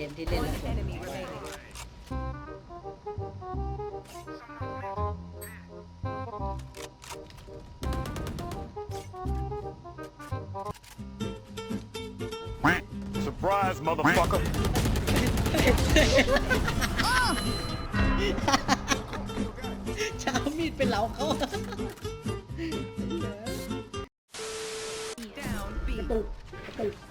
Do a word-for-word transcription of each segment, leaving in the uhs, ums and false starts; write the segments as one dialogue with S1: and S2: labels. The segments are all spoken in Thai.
S1: มที่เล่นแล้วผม
S2: Enemy remaining.
S3: Surprise, motherfucker.
S1: จะเอามีดไปเหลาเขา
S2: Down B.
S4: กระตุกกระตุก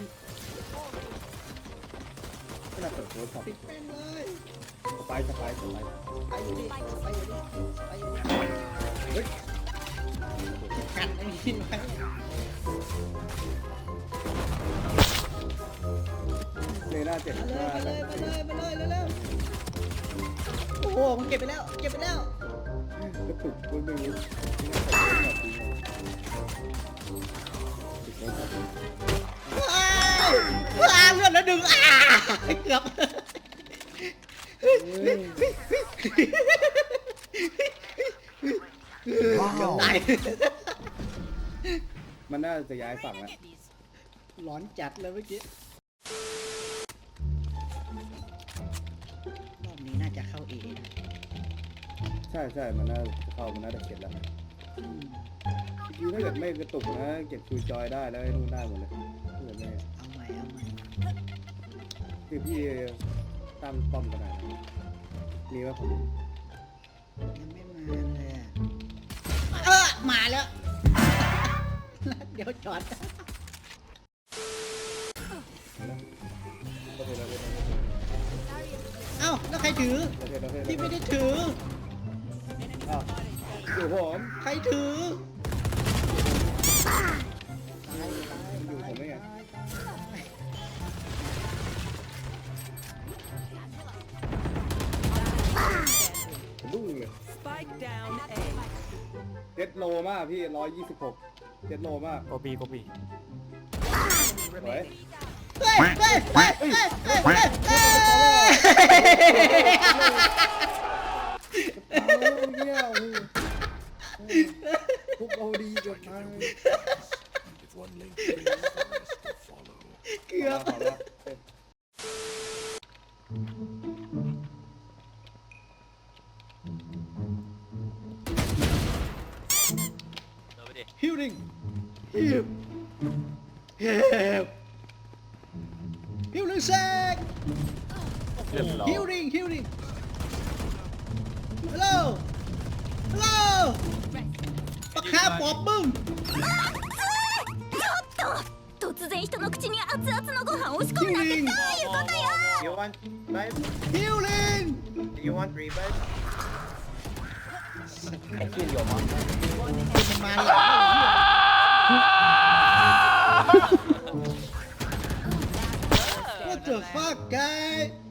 S4: ขนาดเปิดโทรศัพท์
S1: ปิดแม่งเลย
S4: สไปสไปสไป
S1: ไปอยู่ดิไปอยู่ดิไปอยู่ดิ
S4: เฮ้ย
S1: กันไอ้นี่ไว้
S4: เลน่าเจ็บ
S1: มาเลย
S4: มาก
S1: มาเลยมาเลยมาเลยเร็วๆโอ้โหมันเก็บไปแล้วเก็บไปแล้ว
S4: กระตุกก็ไม่รู้
S1: ว้าวว้าวเลือดแล้วดึงอ้าเกือบเกือบตาย
S4: มันน่าจะย้ายฝั่งแล้ว
S1: ร้อนจัดเลยเมื่อกี้รอบนี้น่าจะเข้าเอนะ
S4: ใช่ใช่มันน่าจะเข้ามันน่าจะเก็บแล้วจริงถ้าเกิดไม่กระตุกนะเก็บชูจอยได้แล้วไอ้นู่นได้หมดเลยถ้าเกิดไม่
S1: เอาใหม่เอาใหม่
S4: คือพี่ตั้งป้อมกันหน่อยนะมีว่าผม
S1: ยังไม่มาเลยอะเออมาแล้ว เดี๋ยวจอด
S4: โอเคแล้ว
S1: เอ้าแล้วใครถือ
S4: โอเคแล้วโอเค
S1: พี่ไม่ได้ถือ
S4: อ้าวอยู่ผม
S1: ใครถือ
S4: อยู่ผมได้ไงดุ้งเลย
S2: Spike down A.
S4: เจ็ดโลมากพี่ร้อยยี่สิบหกเจ็ดโลมาก
S3: โกบีโกบี
S4: สวย
S1: เฮ้ยเฮ้ยเฮ้ยเฮ้ยเฮ้ยเฮ้ยเฮ้ย
S4: เอาเงี้ยทุบเอาดีเกินไป
S1: เกือบ
S4: ขอแล้ว
S1: ฮิวลิงฮิวฮิวฮิวลิงแซก
S3: เรียบร้อย
S1: ฮิวลิงฮิวลิงฮัลโหลฮัลโหลปากคาปอบมึง
S5: 突然人の口に熱々のご飯押し込むなんてどういうことよ
S6: You want revive?
S1: ฮิวลิง
S6: Do you want revive?
S1: มันมาหลัง What the fuck guy